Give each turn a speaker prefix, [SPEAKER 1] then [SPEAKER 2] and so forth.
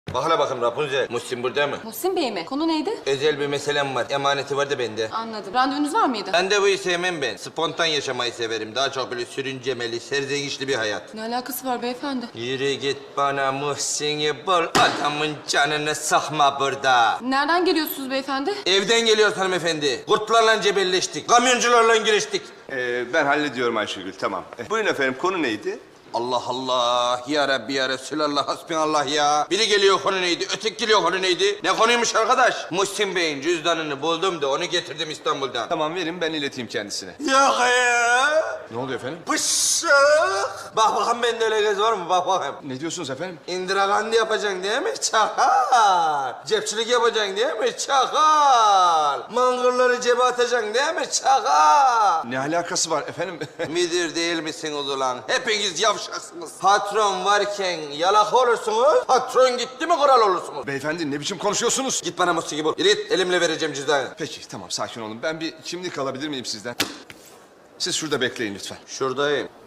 [SPEAKER 1] Bak hele bakayım Rapunzel. Muhsin burada mı?
[SPEAKER 2] Muhsin Bey mi? Konu neydi?
[SPEAKER 1] Özel bir meselem var. Emaneti var da bende.
[SPEAKER 2] Anladım. Randevunuz var mıydı?
[SPEAKER 1] Randevuyu sevmem ben. Spontan yaşamayı severim. Daha çok böyle sürüncemeli, serzenişli bir hayat.
[SPEAKER 2] Ne alakası var beyefendi?
[SPEAKER 1] Yürü git bana Muhsin'i bul. Adamın canını sıkma burada.
[SPEAKER 2] Nereden geliyorsunuz beyefendi?
[SPEAKER 1] Evden geliyoruz hanımefendi. Kurtlarla cebelleştik. Kamyoncularla giriştik.
[SPEAKER 3] Ben hallediyorum Ayşegül, tamam. Buyurun efendim, konu neydi?
[SPEAKER 1] Allah Allah. Ya Rabbi ya Resulallah hasbinallah ya. Biri geliyor konu neydi? Öteki geliyor konu neydi? Ne konuymuş arkadaş? Muhsin Bey'in cüzdanını buldum da onu getirdim İstanbul'dan.
[SPEAKER 3] Tamam, verin, ben ileteyim kendisine.
[SPEAKER 1] Yok ya.
[SPEAKER 3] Ne oluyor efendim?
[SPEAKER 1] Pışık. Bak bakalım bende öyle göz var mı? Bak bakayım.
[SPEAKER 3] Ne diyorsunuz efendim?
[SPEAKER 1] İndiragandi yapacaksın değil mi? Çakal. Cepçilik yapacaksın değil mi? Çakal. Mangırları cebe atacaksın değil mi? Çakal.
[SPEAKER 3] Ne alakası var efendim?
[SPEAKER 1] Müdür değil misiniz ulan? Hepiniz yavşaksınız. Patron varken yalak olursunuz, patron gitti mi kral olursunuz.
[SPEAKER 3] Beyefendi, ne biçim konuşuyorsunuz?
[SPEAKER 1] Git bana musiki bul. Yürü git, elimle vereceğim cüzdanı.
[SPEAKER 3] Peki, tamam, sakin olun. Ben bir kimlik alabilir miyim sizden? Siz şurada bekleyin lütfen.
[SPEAKER 1] Şuradayım.